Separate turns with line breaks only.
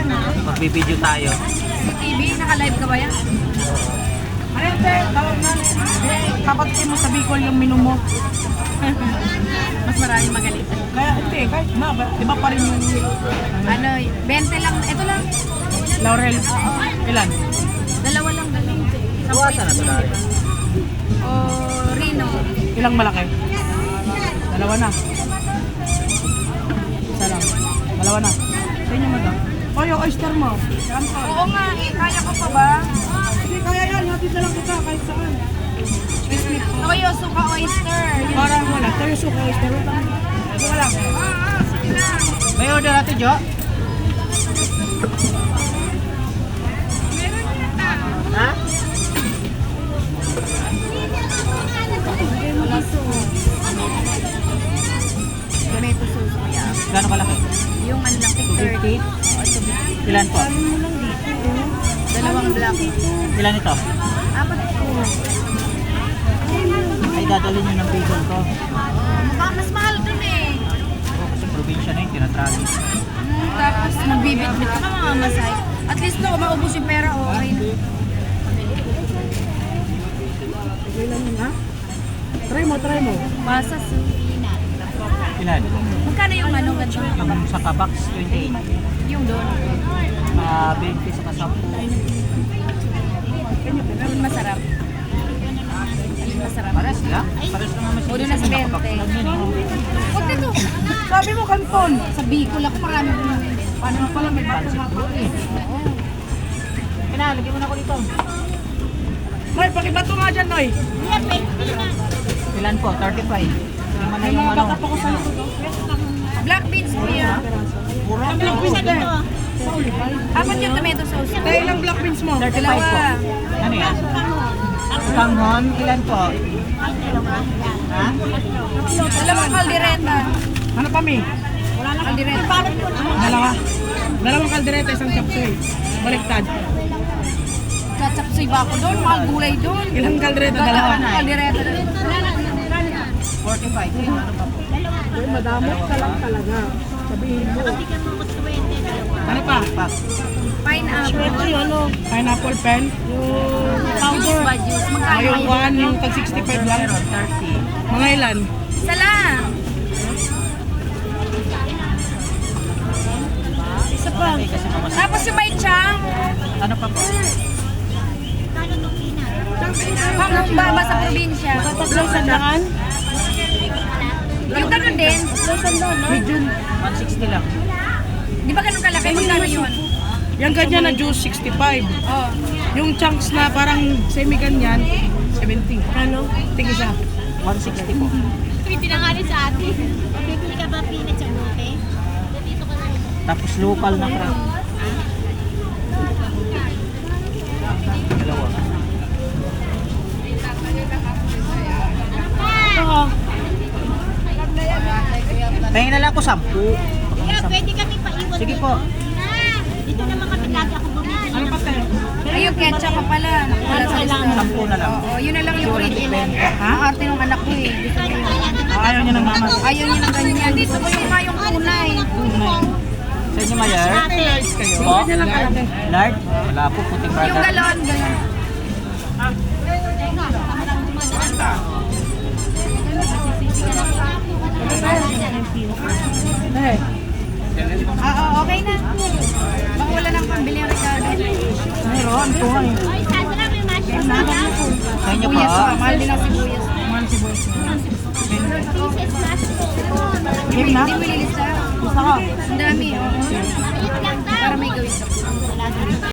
Magbibideo tayo.
Sa TV, naka-live ka ba yan?
Arente, tawag na. Kapatid mo sa Bicol yung menu mo.
Mas maraming magaling.
Kaya hindi, kahit na, iba pa rin yung
Ano, 20 lang. Ito lang.
Laurel. Ilan?
Dalawa lang galing.
Buwasan na ito dahil.
O Rino.
Ilang malaki? Dalawa na. Isa lang. Dalawa na. Sa inyo madam. O yung oyster mo. Yan po.
Oo nga, kaya ko pa ba?
Hindi, kaya yan. Hatid na lang kita kahit saan.
Toyo, suka, oyster.
Parang wala. Tayo suka oyster. Wala.
Sige lang.
May order natin, Jo? Ha?
Tomato sauce mo yan.
Gano'ng kalaki?
Yung ano lang,
250? Ilan po?
Dalawang black.
Ilan ito?
Apat po.
Ay, dadalhin nyo ng bacon ko.
Mas mahal dun eh.
Oo, kasi probinsya na yun, tinatrali.
Tapos magbibit-bit ka mga masay. At least no, maubos yung pera, okay na.
Okay lang yun, ha? Try mo, try mo.
Pasas.
Ilan?
Magkano yung ano ganito?
Yung sa kabox, 28.
Yung doon.
20 sa kasampu.
Yung masarap. Yung masarap.
Pares lang? Pares lang naman
O doon na sa 20. Huwag dito.
Sabi mo, kanton.
Sa Bicol ako marami bumili.
Paano mo pala may bato
Pansip
nga
ko eh. Kinalagyan mo na ako dito.
Noy, pakibato nga dyan, Noy.
Ilan po? 35. Lima na
May
yung
mga
ano.
baka pa ko sa'yo.
Black beans po yan.
Puro.
Ang black beans na sa ulipay.
Apat yung tomato sauce.
Tayo ilang black beans mo?
35 po.
Dalawa.
Ano yan? Kanghon, ilan po? Ha?
Dalawang kaldereta.
Ano pa, Mi?
Kaldereta.
Dalawa. Dalawang kaldereta, isang chapsoy. Baliktad.
Chatsapsoy ba ako doon? Mahal gulay doon.
Ilang kaldereta? Dalawa.
Kaldereta.
45. Ano pa po?
Uy, madamot ka lang talaga. Sabihin mo. Ano pa?
Pack.
Pineapple.
Pineapple pen. Yung
Juice
powder.
ba? Juice. Magkano
Yung
yun?
one, yung tag 65 lang.
Meron, 30.
Mga ilan?
Isa lang.
Isa pa. Kasi mamas.
Tapos yung may chang.
Ano pa po?
Pangumbaba sa probinsya.
Tatlong sandaan?
Yung ganun din.
Medium.
160 lang.
Di ba ganun kalaki? Magkano yun?
Yung ganyan na juice, 65.
Oh.
Yung chunks na parang semi-ganyan, 70. Ano? Tig-isa.
160 po.
Pinangalit sa atin. Bibili ka ba peanut sa bote? Dito ka na.
Tapos local na crab. Dalawa. Tingin na lang ako 10.
Kaya pwede kami paiwan
Sige
dito.
po.
Na, dito naman kami lagi ako bumili.
Ano pa tayo?
Ay, yung ketchup pa pala. Wala sa lista.
10 na lang.
Oo, yun na lang yung original. Ang arte ng anak ko eh. Gusto ko yun.
Ayaw niya ng mama.
Ayaw niya ng ganyan. Gusto ko yung mayong tunay.
Sa inyo, Mayer? Po? Lard? Wala po, puting
Yung
brother.
galon, galon.
Eh,
Okay na. Baka wala nang pambili ang Ricardo.
meron. Ito nga eh.
Oy, Sandra, may mushroom na daw.
Sa inyo po?
Sibuyas pa. Mahal din ang sibuyas.
Mahal si boys.
Pieces mushroom.
Game na?
Hindi mo ililista.
Gusto ko.
Ang dami. Oo.
Ayun lang daw.
Para may gawin.